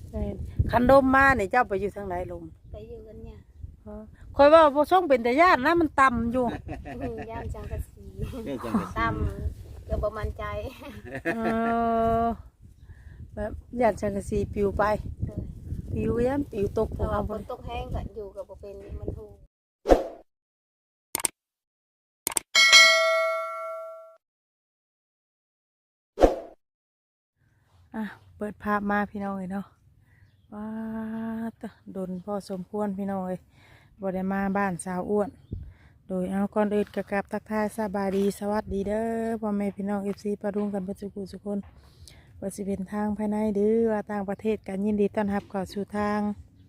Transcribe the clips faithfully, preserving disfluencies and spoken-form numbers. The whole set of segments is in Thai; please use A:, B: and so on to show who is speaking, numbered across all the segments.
A: คันลมมาเนี่ยเจ้าไปอยู่ทางไหนลม
B: ไปอยู่กันเนี่ย
A: คอยว่าบ่ช่องเป็นแต่ญาตินะมันต่ำอยู่
B: ย่านจังกะสีต่ำเกือบประมาณใจ
A: เออแบบญาติจังกะสีปิวไปปิวยันปิวตกพวกเรา
B: ฝนตกแห้งก็อยู่กับบ่เป็นมันถูก
A: อ่ะเปิดภาพมาพี่น้องเลยเนาะว้าตะโดนพอสมควรพี่น้องเลยบ่ได้มาบ้านสาวอ้วนโดยเอาก่อนอื่นกะกับทักทายสบายดีสวัสดีเด้อพ่อแม่พี่น้องเอฟซีปะรุงกันประจุกุสุคนว่าสิเป็นทางภายในหรือว่าต่างประเทศกันยินดีต้อนรับเข้าสู่ทาง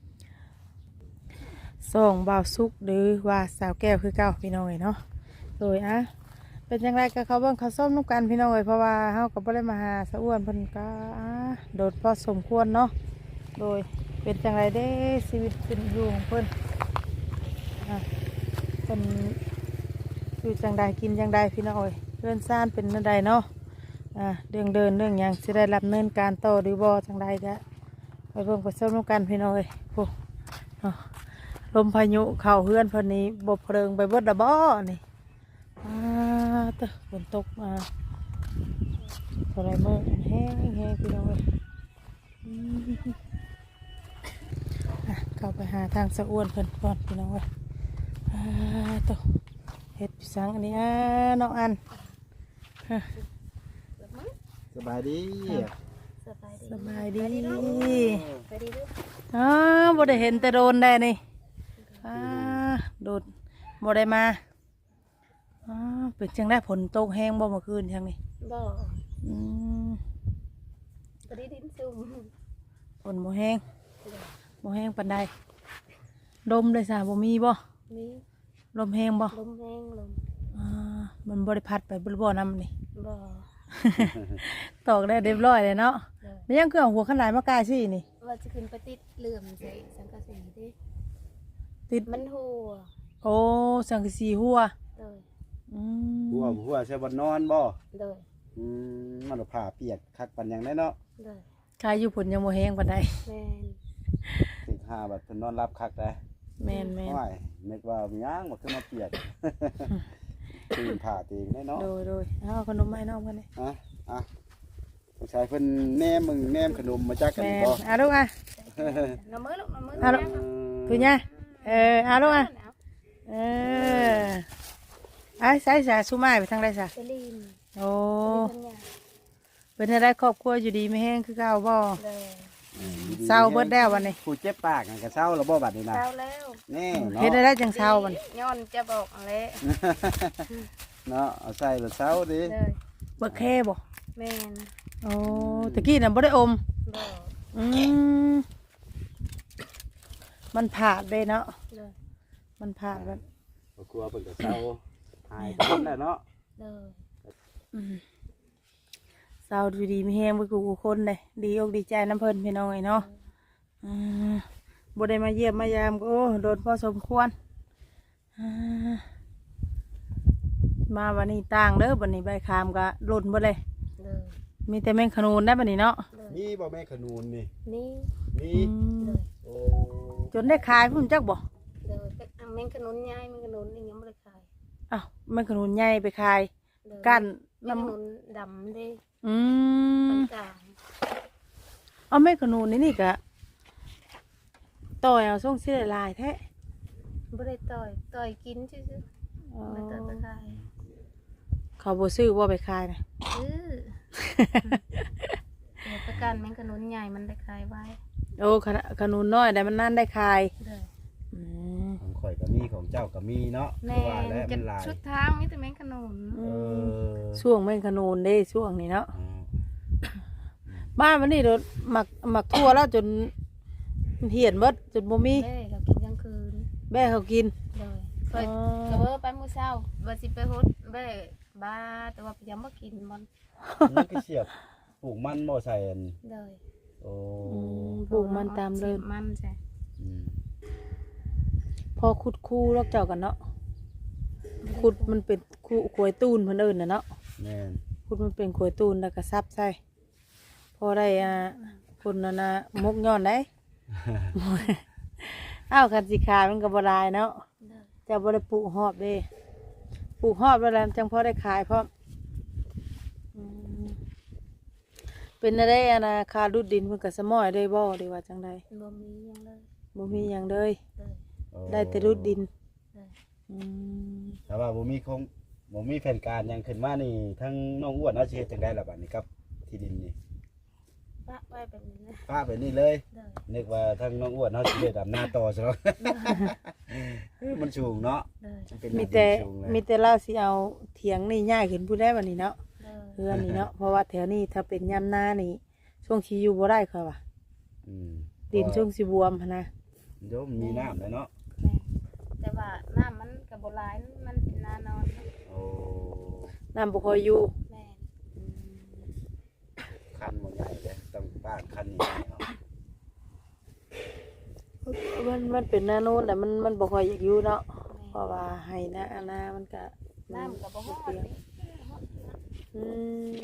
A: ส่งบ่าวซุกหรือว่าสาวแก้วคือเก่าพี่น้องเลยเนาะโดยอ่ะเป็นยังไงกับเขาเบิ่งเขาส้มนุ่กันพี่น้องเลยเพราะว่าเฮากับบ่ได้มาหาสาวอ้วนเพิ่นก็โดดพอสมควรเนาะโดยเป็นจังไรได้ชีวิตเป็นอยู่ของเพิ่นอ่ะเป็นอยู่จังใดกินจังใดพี่น้องเอ้ยเรื่องซ่านเป็นจังใดเนาะอ่ะเรื่องเดินเรื่องหยังสิได้รับเนินการต่อหรือบ่จังใดก็ไปเบิ่งไปส้มนุ่กันพี่น้องเอ้ยโอ้เนาะลมพายุเข้าเฮือนเพิ่นนี้บ่เพลิงไปเบิดดะบ่นี่อ่าตะฝนตกมาเท่าไรมื้อแห้งแห้งพี่น้องเอ้ยเข้าไปหาทางสะอ้วนเพิ่นก่อนพี่น้องเอ้ยตัวเห็ดสังอันนี้น้องอัน
C: สบายดี
A: สบายดี
B: ไปดีด้วย
A: อ๋อบ่ได้เห็นแต่โดนได้นี่อ่าโดดบ่ได้มาอ๋อเป็นจังได้ผลตกแห้งบ่เมื่อคืนจังนี่
B: บ่
A: อืม
B: ไปดีดินซุ่ม
A: ฝนบ่แห้งบ่แห้งปานใดลมเลยสาบ่มีบ่
B: มี
A: ลมแห้งบ่
B: ลมแห้งลม
A: อ่ามันบ่ได้พัดไปบ่บ่น้ำนี่
B: บ่
A: ตอกได้เรียบร้อยเลยเนาะไม่ยังเครื่องหัวขนาดมากายสินี่
B: ว่าจะขึ้นไปติดเหลื่อมใส่สังกะสีดิ
A: ติด
B: มันหัว
A: โอ้สังกะสีหัว
B: เลย
A: อืม
C: หัวหัวใช่บนนอนบ่
B: เลย
C: อืมมันผ่าเปียกคักปันยังได้เนาะ
B: เลย
A: คายอยู่ผลยังโมแห้งปานใด
B: แม่น
C: สิห้าบัดเพิ่นนอนรับคักได้
A: แม่นแม่น
C: ไม่นึกว่ามีย่างบ่ขึ้นมาเปียกตื่นผ่าตีได้เนาะ
A: โดยโดยเอาขนมไม้น้องเพิ่นนี่
C: อ่ะอ่ะผู้ชายเพิ่นแนมมึงแนมขนมมาจากกัน
A: บ่
C: บ่
A: อ่ะลูกอ่ะ
B: น้ำมือลูกน้ำมือ
A: อ่ะลูกคือไงเอออ่ะลูกอ่ะเออไอ้ใส่สาสุมาไปทางใดซะโอ้เป็นอะไรครอบครัวอยู่ดีไม่แห้งคือเก่าบ่เศร้าเบิดแล้ววันนี้
C: ผู้เจ็บปากก็เศร้าแล้วบ่บัดนี้นะ
B: เศร้าแล้ว
C: นี่
A: เฮ็ดได้จังเศร้ามัน
B: ย้อนจะบอกอะไร
C: เนาะเอาใส่แล้วเศร้าดิ
A: บ่แค่บ่
B: แม่น
A: โอ้ตะกี้น่ะบ่ได้อม
B: บ่
A: อืมมันผาดเลยเนาะมันผาดแบบ
C: กลัวเพิ่นก็เศร้าหายคนแล้วเนาะ
B: เด้อ
A: อืมเศร้าดีดีไม่แห้งไปกูกูคนเลยดีอกดีใจน้ำเพิ่นพี่น้องไอ้เนาะอืมบ่ได้มาเยี่ยมมายามก็โอ้โดนพอสมควรมาวันนี้ต่างเด้อวันนี้ใบคามก็หล่นหมดเลยมีแต่แมงขนูนได้บัดนี้เนาะ
C: มีบ่แมงขนูนนี่
B: นี่
C: มีโอ้
A: จนได้ขายพุ่นจักบ่
B: เด้อแมงขนุนใหญ่แมงขนุนนี่ยังบ่ได้ขาย
A: อ้าวแมงขนูนใหญ่ไปขายกั้น
B: น้ำขนุนดำดิ
A: อืมเอาแมงขนูนนี่นี่กะต่อยเอาส่งเสียลายแท้
B: บ่ได้ต่อยต่อยกินซื่อๆไม่ต่อยไปขาย
A: เขาบ่ซื้อว่าไปขายนะ
B: ซื้อเดี๋ยวประกันแมงขนุนใหญ่มันได้ขายไว้
A: โอ้ขนุนน้อยแต่มันนั่นได้ขาย
C: ของข่อยก็มีของเจ้าก็มีเนาะ
B: แม่จะชุดทางมีแต่แมงขนุน
A: ช่วงแมงขนุนได้ช่วงนี้เนาะบ้านวันนี้เราหมักหมักทั่วแล้วจนเหี่ยนเบิดจนบ่มี
B: แม่เขากินกลางคืน
A: แม่เขากิน
B: เลยเคยกระเบอไปมื้อเช้าว่าสิไปฮดแม่บ้าแต่ว่ายังบ่กินมัน
C: นี่คือเสียบปลูกมันบ่ใส่อัน
B: เลย
C: โอ้
A: ปลูกมันตามเลย
B: มันใช่
A: พอขุดคู่ลอกเจ้ากันเนาะขุดมันเป็นคู่ขวยตูนเพิ่นเอิ้นน่ะเนาะ
C: แม่น
A: ขุดมันเป็นขวยตูนแล้วก็ซับใส่พอได้อ่าพุ่นน่ะนะมุกย้อนได้ อ้าวคันสิขายมันก็บ่ได้เนาะ
B: เด้อ
A: จะบ่ได้ปลูกหอบเด้ปลูกหอบแล้วแหละจังพอได้ขายพร้อมอืมเป็นอะไรอะนะคารุดดินเพิ่นก็สมอยได้บ่ได้ว่าจังได
B: บ่มีหยังเลย
A: บ่มีหยังเลย
B: เด้อ
C: โอ้
A: ได้แต่รุดดิน
B: เด้อ
A: อืม
C: แต่ว่าบ่มีคงบ่มีแผนการหยังขึ้นมานี่ทั้งน้องอ้วนเอาสิเฮ็ดจังได๋ล่ะบัดนี้ครับที่ดินนี่
B: ปะไว้แบบนี้นะ
C: ป้าไปนี่เลย
B: เด้อ
C: นึกว่าทั้งน้องอ้วนเฮาสิได้ดำนาต่อซะแล้ว มันสูงเนาะ
B: เด้อ
C: มันเป็น
A: มีแต่
C: สูงเลย
A: มีแต่เราสิเอาเถียงนี่ย้ายขึ้นผู้ได้บัดนี้เนาะ
B: เด้อ
A: เฮือนนี่เนาะเพราะว่าแถวนี้ถ้าเป็นยามหน้านี่ช่วงสิอยู่บ่ได้ค่ะว่า
C: อืม
A: ดินช่วงสิบวมหั้นนะ
C: โยมมีน้ำเลยเนาะ
B: แม่แต่ว่าน้ำมันก็บ่หลายมันเป็นนานอนเนาะ
C: โอ้
A: น้ำบ่ค่อยอยู่
B: แม่น
C: คันบ่ใหญ่เลยต้องบ้านคันใหญ่เนาะ
A: มันมันเป็นหน้าโน้นแต่มันมันบ่ค่อยอยากอยู่เนาะ
B: แม่
A: เพราะว่าให้นะอันนามันก็
B: น้ำก็บ่ฮอด
A: เปียก
B: นี่
A: อืม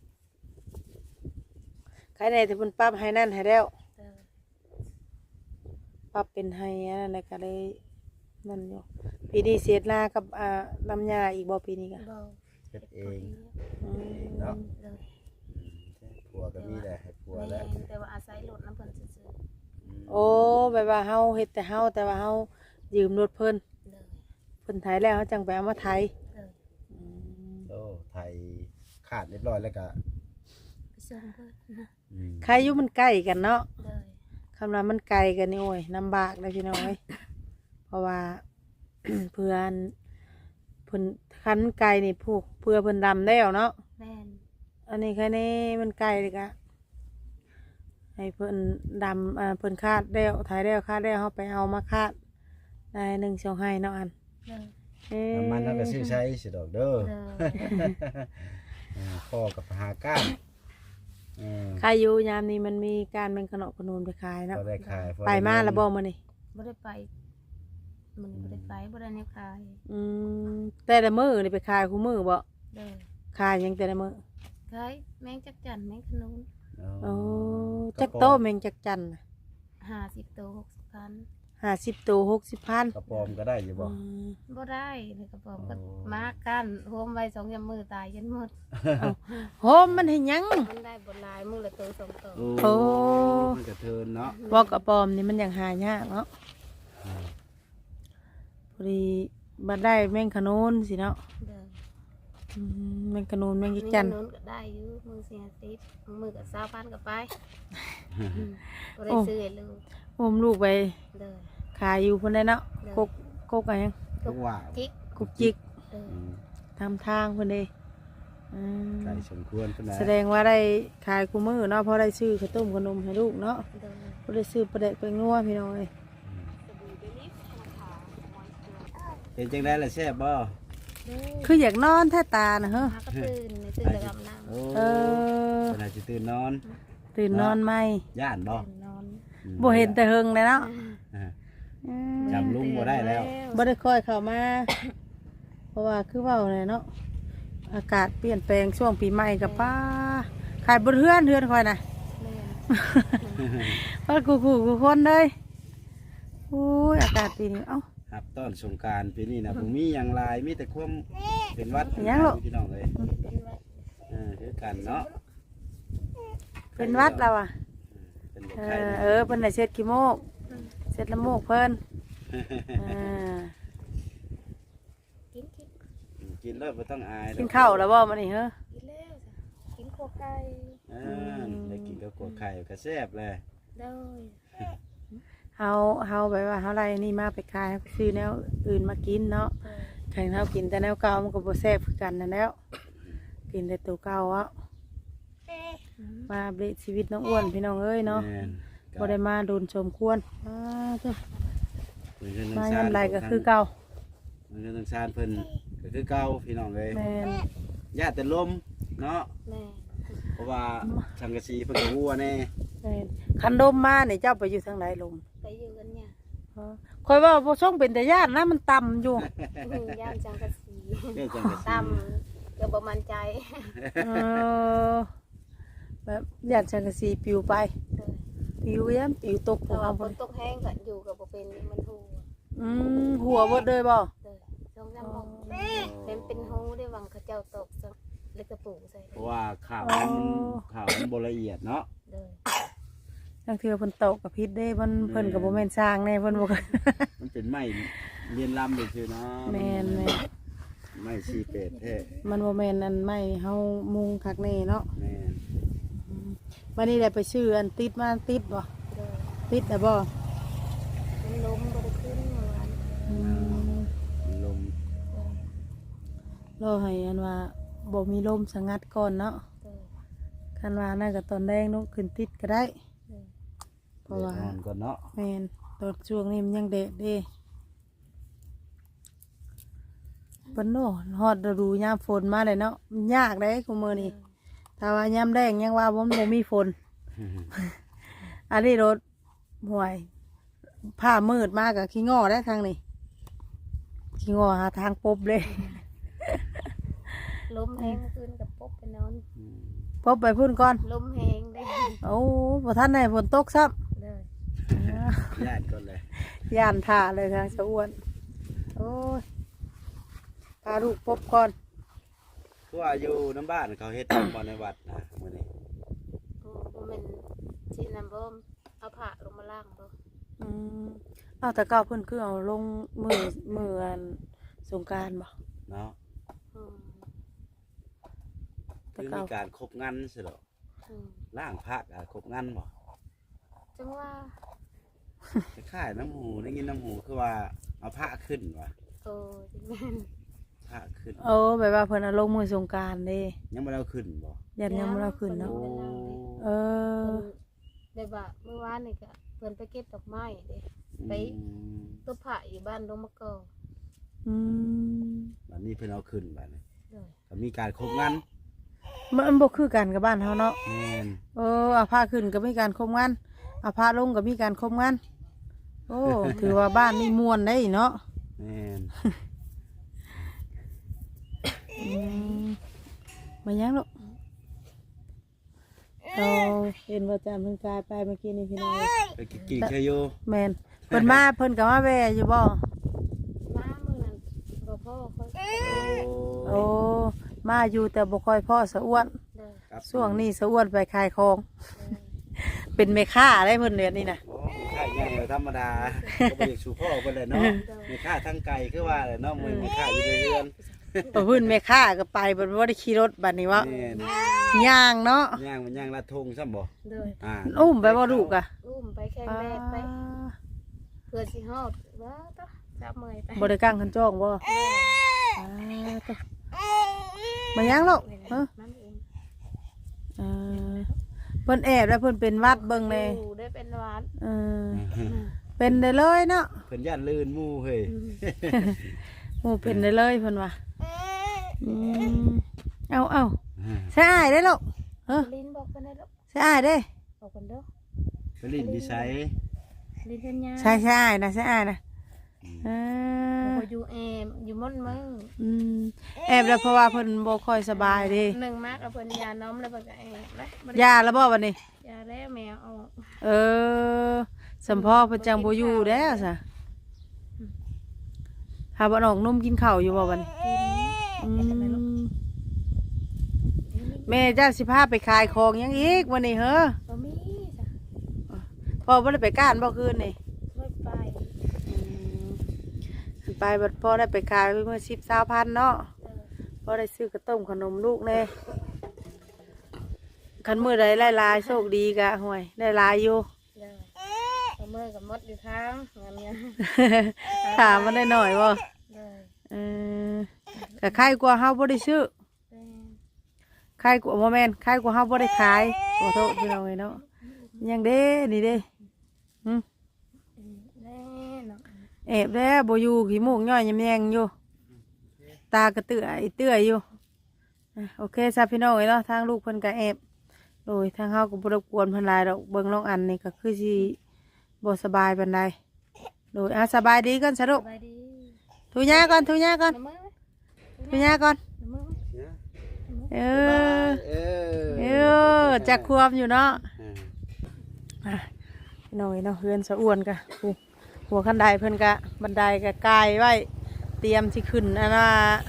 A: ใครได้ที่เพิ่นปรับให้นั่นให้แล้ว
B: เด้อ
A: ปรับเป็นให้อันนั้นแล้วก็เลยนั่นอยู่ปีนี้เสียดนากับอ่าลำยาอีกบ่ปีนี้ก็
B: บ่
C: เฮ็ดเอง
A: อืม
C: เนาะ
B: เด้อ
C: ผัวก็มีแหละให้ผัว
B: แม่
C: แล้ว
B: นแต่ว่าอาศัยรถน้ำเพิ่นซื่อ
A: โอ้แบบว่าเฮาเฮ็ดแต่เฮาแต่ว่าเฮายืมรถเพิ่น
B: ๆเด้อ
A: เพิ่นไถแล้วเฮาจังไปเอามาไถ
B: เด้อ
A: อืม
C: โอ้ไทยขาดเรียบร้อยแล้วก็
B: ไปส่งเพิ่นนะ
C: อืม
A: ใครอยู่มันใกล้กันเนาะ
B: เด้อ
A: คำนั้นมันไกลกันนี่โอ้ยลำบากเลยพี่น้องเอ้ยเพราะว่า เพื่อนเพิ่นคันไกลนี่ผูกเพื่อเพิ่นดำแล้วเนาะ
B: แม่น
A: อันนี้แค่นี้มันไกลเลยกะให้เพิ่นดำอ่าเพิ่นคาดแล้วถ่ายแล้วคาดแล้วเขาไปเอามาคาดได้หนึ่งสองให้เนาะอัน
B: เด้อ
A: เอ๊ะ
C: น้ำมันเราก็ซื้อใช้สิดอกเด้อ
B: เด้อ
C: เออพ่อกับหาก้านเออ
A: ใครอยู่ยามนี้มันมีการเป็นขนมขนูนไปขายเนาะ
C: ก็ได้ขายพอ
A: ไปมา
C: ด้
A: แล้วบ่มานี่
B: บ่ได้ไปมันบ่ได้ไปบ่ได้แนวขาย
A: อืมแต่ละมือนี่ไปขายคู่มือบ่
B: เด้อ
A: ขายหยังแต่ละมือ
B: ขายแมงจักจั่นแมงขนุน
A: โอ้จักโตแมงจักจัน
B: ห้าสิบโตหกสิบพัน
A: ห้าสิบโตหกสิบพัน
C: กระปอมก็ได้อยู่บ่
A: อืม
B: บ่ได้เลยกระป๋องก็
C: โอ้
B: มากันโฮมไว้สองยามมือตายยันหมด
A: โหมมันเห็นยัง
B: มันได้บ่หลายมือละโตสองโต
A: โอ้
C: มันกระเทินเนาะ
A: บอกกระปอมนี่มันยังหายากเนาะ
C: อืม
A: พอดีบัดได้แมงขนูนสิเนาะ
B: เด้อ
A: อืมแมงขนูนแมง
B: แม
A: ยิ
B: ง
A: ก
B: ข
A: จัน
B: นุนก็ได้อยู่มือเสียติดมือก็สาวพันก็ไปอืมบ่ได้ซื้อให้ลูก
A: โอมลูกไป
B: เด้อ
A: ขายอยู่คนได้เนาะ
B: เด้อ
A: กกกกอะไรยัง
C: ทุกว่า
B: กิ๊ก
A: กุกจิก
B: เด้อ
C: อืม
A: ทำทางคนเด้อืม
C: ไก่สมควรเพิ่นนะ
A: แสดงว่าได้ขายกูมือเนาะเพราะได้ซื้อข้าวต้มขนมให้ลูกเนาะ
B: เด้อ
A: เพราะได้ซื้อปลาเด็กไปงัวพี่น้อย
C: เห็นจังได้ล่ะแซ่บบ่
B: เด้อ
A: คืออยากนอนแท้ตานะเฮ้อ
B: หาก็ตื่นในตื่นจะอาบน้ำ
C: โอ้
A: เออ
C: ขนาดจะตื่นนอน
A: ตื่นนอนไหม
C: ย่านบ่
B: ตื่นนอน
C: อืม
A: บ่เห็นแต่เฮงเลยเนาะ
C: อ่า
A: อืม
C: จำลุงบ่ได้แล้ว
A: บ่ได้ค่อยเข้ามา เพราะว่าคือเว้าเลยเนาะอากาศเปลี่ยนแปลงช่วงปีใหม่กับป้าขายบนเฮือนเฮือนค่อยน่ะ
B: แม่น
A: ว่ากูกูกูคนเลยโอ้ยอากาศปีนี้เอ้า
C: ครับต้นสงกรารปีนี้นะผมมีอย่างไรมีแต่ความเป็นวัด
A: ยังหรอ
C: พี่น้องเลย
B: เป็นไว้
C: เออคือกันเนาะ
A: เป็นวัดเราอ่ะ
C: เป็น
A: เอ
C: ไข่
A: อเออเพิ่นได้เช็ดขี้โมกเช็ดละโมกเพิ่นเออ
B: กินกิน
C: กินแล้วไม่ต้องอาย
A: กินข้าวแล้วบ่มื้อนี้เฮ้อ
B: กินแล้วจ้ะกินโคไก่
C: อ่าได้กินกับกัวไข่กระแซบเลย
B: เด้อ
A: เฮาเฮาแบบว่าเฮาไรนี่มาไปขายไปซื้อแนวอื่นมากินเนาะ
B: เด้อ
A: แข่งเฮากินแต่แนวเก่ามันก็บ่แซ่บคือกันนั่นแล้ว กินแต่ตัวเก่าอ่ะมาอัปเดตชีวิตน้องอ้วนพี่น้องเอ้ยเนาะ
C: แม่น
A: บ่ได้มาโดนชมควรอ้าเจ้า
C: เพิ่นคือ
A: มา
C: น้ำซ
A: ยามไรก็คือเก่า
C: เพิ่นคือน้ำซานเพิ่นก็คือเก่าพี่น้องเลย
A: แม่น
C: ญาติแต่ลมเนาะ
B: แม่
C: เพราะว่าสังกะสีเพิ่นก็วัวแน่
A: แม่นคันดมมานี่เจ้าไปอยู่ทางไหนลม
B: ไปอยู่กันเนี่ย
A: คอยว่าบ่ช่องเป็นแต่ญาตินะมันต่ำอยู่
B: ย่านจังกะสี
C: เรื่องสังกะสี
B: ตำเกือบบ่มั่นใจ
A: เออแบบญาติจังกะสีปิวไป
B: เลย
A: ปิวย้ำปิวตกข
B: แต่
A: อง
B: ว่า
A: เอา
B: ฝ
A: บ่
B: นตกแห้งก็อยู่กับบ่เป็นมันหู
A: อืมหัวเบิดเลยบ่
B: เลยสองสามโมงเป็นเป็นหูได้วังเขาเจ้าตกซะเล็กกระปูใส่
C: เพราะว่าข่าวมันข่าวมันบ่ละเอียดเนาะ
B: เลย
A: จังเทื่อเพิ่นตกกับพิษเด้เพิ่นเพิ่นก็บ่แม่นสร้างแน่เพิ่นบ่
C: มันเป็นไม้เรียนลำเลยคือเนาะ
A: แม่นแม่น
C: ไม้ชีเป็ดแท้
A: มันบ่แม่นอันไม้เฮามุงคักแน่เนาะ
C: แม่น
A: วันนี้ได้ไปชื่ออันติดมาติดบ่
B: เลย
A: ติดได้บ่
B: มันล้มบ่ได้ขึ้นเมื่อวาน
A: อืม
C: มันลม
B: เลย
A: รอให้อันว่าบ่มีลมสงัดก่อนเนาะ
B: เลย
A: คันว่าน่าก็ตอนแดงเนาะขึ้นติดก็ได้
B: เลย
A: เพราะว่า
C: เดี๋ยนอนก่อนเนาะ
A: แม่นตอนช่วงนี้มันยังเด็กเด้เพิ่นโน่ฮอดฤดูยามฝนมาเลยเนาะมันยากเด้คุมื้อนี้ถ้าว่ายามแดงยังว่าบ่มันบ่มีฝน อันนี้รถห่วยผ้ามืดมากกับขี้ง้อได้ทางนี้ขี้ง้อหาทางปบเลย
B: ล้มแห้งขึ้นกับปบไปนอน
C: อืม
A: ปบไปพุ่นก่อน
B: ล้มแห้งได้
A: โอ้พอท่านไหนฝนตกซ้
B: เลย
A: ำ
C: ญาติก่อนเลย
A: ย่านท่าเลยทางสะอ้วนโอ้ยพาลูกปบก่อน
C: คือว่าอยู่น้ำบ้านเขาเฮ็ดบ่ในวัดนะมื้อนี้
B: โอ้บ่แม่นสินำบ่เอาผ้าลงมาล้างบ่
A: อืมเอาแต่ก้าวเพิ่นคือเอาลงมือมืออันสงกรารบ่
C: เนาะ
B: อืม
A: แต่
C: คือ
A: ก้า
C: มี
A: ว
C: การครบงานสิเหรอ
B: อืม
C: ล่างพระอ่ะครบงานบ่
B: จังว่า
C: คล้ายๆน้ำหูได้ยินน้ำหูคือว่าเอาพระขึ้นว่ะ
B: โอ้จังแม่น
C: พระขึ้น
A: โอ้แบบว่าเพิ่นเอาลงมือสงกรารเด้
C: ยังบ่ได้เอาขึ้นบ่
A: ยันยังบ่เราขึ้นเนาะ
C: โอ้
A: เออ
B: เพิ่นได้บ่าเมื่อวานนี่ก็เพิ่นไปเก็บดอกไม้เด้ ไป
C: อืม
B: ตัวผ้าอยู่บ้านลงมะกอก
A: อืม
C: บัดนี้เพิ่นเอาขึ้นบัดนี้
B: เลย
C: ก็มีการครบงาน
A: มันบ่คือกันกับบ้านเฮาเนาะ
C: แม่น
A: เออเอาผ้าขึ้นก็มีการคมงานเอาผ้าลงก็มีการคมงานโอ้ ถือว่าบ้านนี่ม่วนได้เนาะ
C: แม่น
A: อืมมายังลูกเราเห็นว่าจำเพิ่นกายไปเมื่อกี้นี่พี่น้อง
C: ไปกินกินเชยอยู่
A: แมนเพิ่นมาเพิ่นก็มาแวะอยู่บ่
B: มามื้อนั้นบ่พ่อค่อย
A: โอ้มาอยู่แต่บ่ค่อยพ่อสะอ้วน
B: เลย
C: ครับ
A: ช่วงนี้สะอ้วนไปขายของ
B: เลย
A: เป็นแม่ค้าได้เพิ่นเดือนนี้นะ
C: โอ้ค่าใหญ่เลยธรรมดา ก็บ่อยากสู่พ่อเพิ่นเลยเนาะมีค่าทั้งไก่คือว่าเลยเนาะมื้อมีค่าอยู่ในเรือน
A: พอเพิ่นแม่ค้าก็ไปเพิ่นบ่ได้ขี่รถบัดนี้วะ
C: แม่น
A: ย่างเนาะ
C: ย่างมันย่างละทงซ้ำบ่
B: เลย
C: อ่า
A: อุ้มไปบ่ลูกอ่ะ
B: อุ้มไปแข่งแดดไปเพื่อสิฮอดว่าตะจับเมื่อยไป
A: บ่ได้กางคันจ้องบ่อ่าต่อมายังลูกฮะ
B: นั่นเอง
A: เออเพิ่นแอบแล้วเพิ่นเป็นหวัดเบิ่งแน่
B: อยู่ได้เป็นหวาน
A: เออเป็นได้เลยเนาะ
C: เพิ่นย่านลื่นหมู่เฮ้ย
A: หมู่เป็นได้เลยเพิ่นว่าอืมเอาเอาใช่อ้ายได้ลูกเออ
B: ลิ้นบอกกันได้แล้ว
A: ใช่อ้ายเด้
B: บอกกันเด้อ
C: ไปลิ้นนิสัย
B: ลิ้นเป็นยา
A: ใช่ใช่อ้ายนะใช่อ้ายนะเออ
B: บ่อยู่แอมอยู่ม่อนมึง
A: อืมแอบแล้วเพราะว่าเพิ่นบ่ค่อยสบายเด้
B: หนึ่งมากเอาเพิ่นยาน้อมแล้วเพิ่นก็แอบแล้วบ่ได้
A: ยาแล้วบ่วันนี้
B: ยาแล้วแมวเอา
A: เออสมพ่อเพิ่นจังบ่อยู่แล้วซะหาบ่น้องนมกินข้าวอยู่บ่วันนี้
B: กิน
A: อืมแม่เจ้าสิพาไปขายของหยังอีกวันนี้เหรอ
B: บ่มีจ้ะ
A: พ่อบ่ได้ไปก้านบ่คืนนี่
B: ไม่ไป
A: ไปบัดพ่อได้ไปขายเมื่อสิบสาวพันเนาะ
B: เออ
A: พ่อได้ซื้อกระต้มขนมลูกแน่คันมือใดหลายๆโชคดีกะห่วยได้หลายอยู่
B: เลยเอามือกับมดอยู่ทางงานเนี้ย
A: ถามมันได้หน่อยบ่
B: เลย
A: เออก็ใครกว่าเฮาบ่ได้ซื้อ
B: เป็น
A: ใครกว่าบ่แม่นใครกว่าเฮาบ่ได้ขายขอโทษพี่น้องเอ้ยเนาะยังเด้นี่เด้หึ
B: แน่เนาะ
A: แอบแล้วบ่อยู่ขี้มูกย่อยยำแยงอยู่ตากระเตื้อไอเตื้ออยู่อ่ะโอเคซะพี่น้องเอ้ยเนาะทางลูกเพิ่นก็แอบโดยทางเฮาก็บ่รบกวนเพิ่นหลายดอกเบิ่งน้องอันนี่ก็คือสิบ่สบายปานใดโดยอ่ะสบายดีกันซะลู
B: ส
A: ก
B: บายดี
A: ทุยาก่อนทุยาก่อน
B: น้ำมือ
A: ทุยาก่อน
B: น้ำมือ
C: เนี่ย
B: น้ำมือ
A: เออ
C: เออ
A: เออจักควมอยู่เนาะ
C: อืม
A: อ่ะพี่น้องเนาะเฮือนสะอ้วนกะอู้หัวคันไดเพิ่นกะบันไดกะกายไว้เตรียมที่ขึ้นอันว่า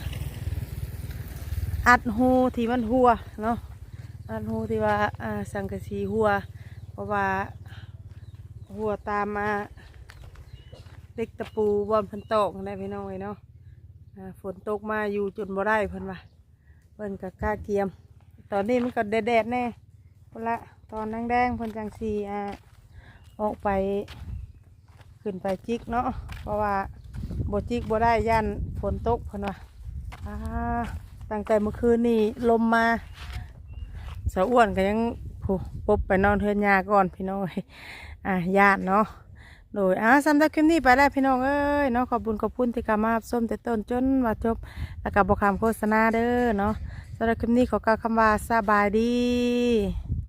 A: อัดหูที่มันหัวเนาะอัดหูที่ว่าอ่าสังกะสีหัวเพราะว่าหัวตามมาเล็กตะปูบอลเพิ่นตกได้พี่น้องเนาะอ่าฝนตกมาอยู่จนบ่ได้เพิ่นว่าเพิ่นกะกล้าเกียม ตอนนี้มันก็แดดๆแน่พุ่นละตอนแดงๆเพิ่นจังสีอ่าออกไปขึ้นไปจิกเนาะเพราะว่าบ่จิกบ่ได้ย่านฝนตกเพิ่นว่าอ่าตั้งแต่เมื่อคืนนี่ลมมาสาวอ้วนก็ยังผู้ปบไปนอนเทือนยาก่อนพี่น้องเอ้ยอ่าญาติเนาะโดยอ่าสำหรับคลิปนี้ไปแล้วพี่น้องเอ้ยเนาะขอบคุณขอบคุณที่กามารับส้มแต่ต้นจนมาจบแล้วก็บอกคำโฆษณาเด้อเนาะสำหรับคลิปนี้ขอกล่าวคำว่าสบายดี